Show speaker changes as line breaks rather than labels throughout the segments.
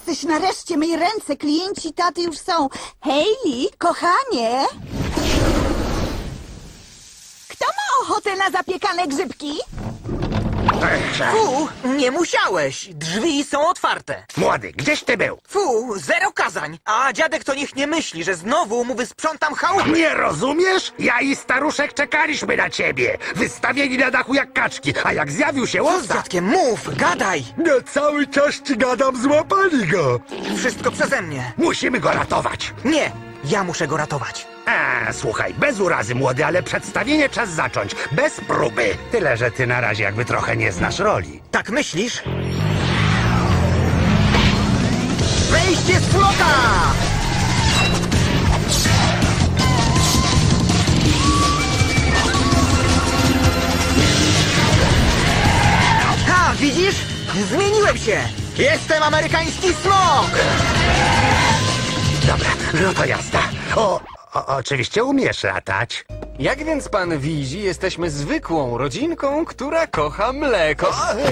Jesteś nareszcie, myj ręce, klienci taty już są. Hayley, kochanie! Kto ma ochotę na zapiekane grzybki?
Fu, nie musiałeś. Drzwi są otwarte.
Młody, gdzieś ty był?
Fu, zero kazań. A dziadek to niech nie myśli, że znowu mu wysprzątam chałupę.
Nie rozumiesz? Ja i staruszek czekaliśmy na ciebie. Wystawieni na dachu jak kaczki, a jak zjawił się
Co z
łosa...
dziadkiem? Mów, gadaj.
No cały czas ci gadam, złapali go.
Wszystko przeze mnie.
Musimy go ratować.
Nie, ja muszę go ratować.
Słuchaj, bez urazy, młody, ale przedstawienie czas zacząć. Bez próby. Tyle, że ty na razie jakby trochę nie znasz roli.
Tak myślisz? Wejście z flota! Ha, widzisz? Zmieniłem się! Jestem amerykański smok!
Dobra, no to jazda. Oczywiście umiesz latać.
Jak więc pan widzi, jesteśmy zwykłą rodzinką, która kocha mleko.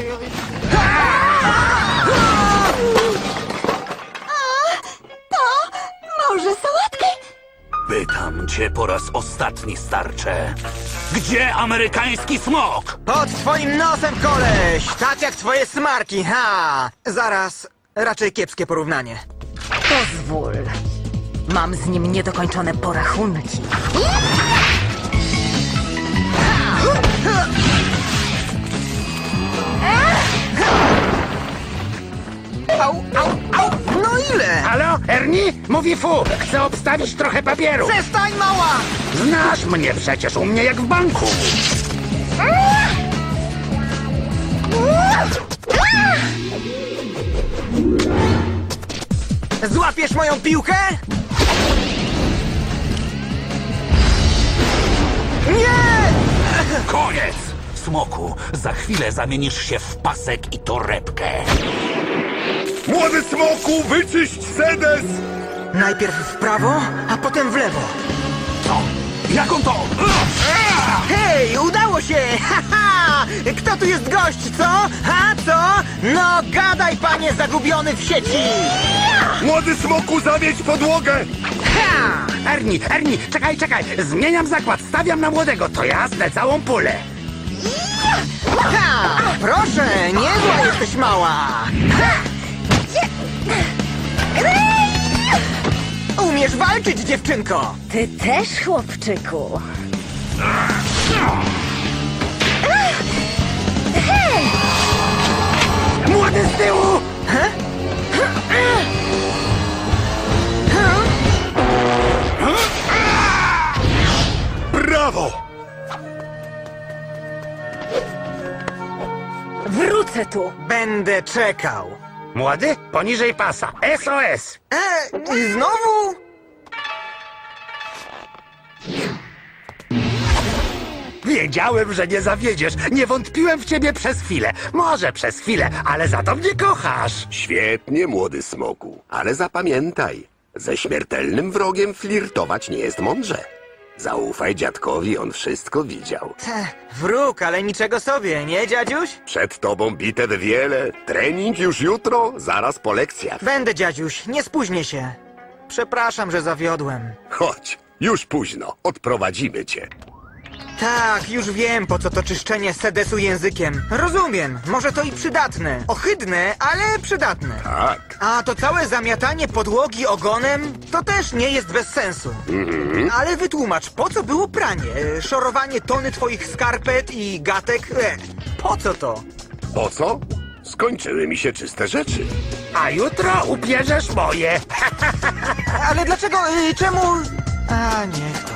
Może sałatkę?
Pytam cię po raz ostatni, starcze. Gdzie amerykański smok?
Pod twoim nosem, koleś! Tak jak twoje smarki, ha! Zaraz, raczej kiepskie porównanie.
Pozwól. Mam z nim niedokończone porachunki.
Au, au, au! No ile?
Halo, Ernie? Mówi fu, chcę obstawić trochę papieru.
Przestań, mała!
Znasz mnie przecież, u mnie jak w banku.
Złapiesz moją piłkę? Nie!
Koniec! Smoku, za chwilę zamienisz się w pasek i torebkę.
Młody smoku, wyczyść sedes!
Najpierw w prawo, a potem w lewo.
Co? Jak on to?
Hej, udało się! Ha! Kto tu jest gość, co? Ha, co? No, gadaj, panie zagubiony w sieci!
Młody smoku, zamieć podłogę!
Ha!
Ernie, czekaj, zmieniam zakład, stawiam na młodego, to jasne, całą pulę.
Ha! Proszę, niezła jesteś mała! Umiesz walczyć, dziewczynko!
Ty też, chłopczyku.
Młody z tyłu!
Brawo!
Wrócę tu.
Będę czekał.
Młody, poniżej pasa, SOS!
Znowu?
Wiedziałem, że nie zawiedziesz, nie wątpiłem w ciebie przez chwilę. Może przez chwilę, ale za to mnie kochasz.
Świetnie, młody smoku, ale zapamiętaj, ze śmiertelnym wrogiem flirtować nie jest mądrze. Zaufaj dziadkowi, on wszystko widział.
Wróg, ale niczego sobie, nie, dziadziuś?
Przed tobą bitew wiele, trening już jutro, zaraz po lekcjach.
Będę, dziadziuś, nie spóźnię się. Przepraszam, że zawiodłem.
Chodź, już późno, odprowadzimy cię.
Tak, już wiem, po co to czyszczenie sedesu językiem. Rozumiem, może to i przydatne. Ohydne, ale przydatne.
Tak.
A to całe zamiatanie podłogi ogonem, to też nie jest bez sensu. Ale wytłumacz, po co było pranie? Szorowanie tony twoich skarpet i gatek? Po co to?
Po co? Skończyły mi się czyste rzeczy.
A jutro ubierzesz moje.
Ale dlaczego, czemu... A, niech to.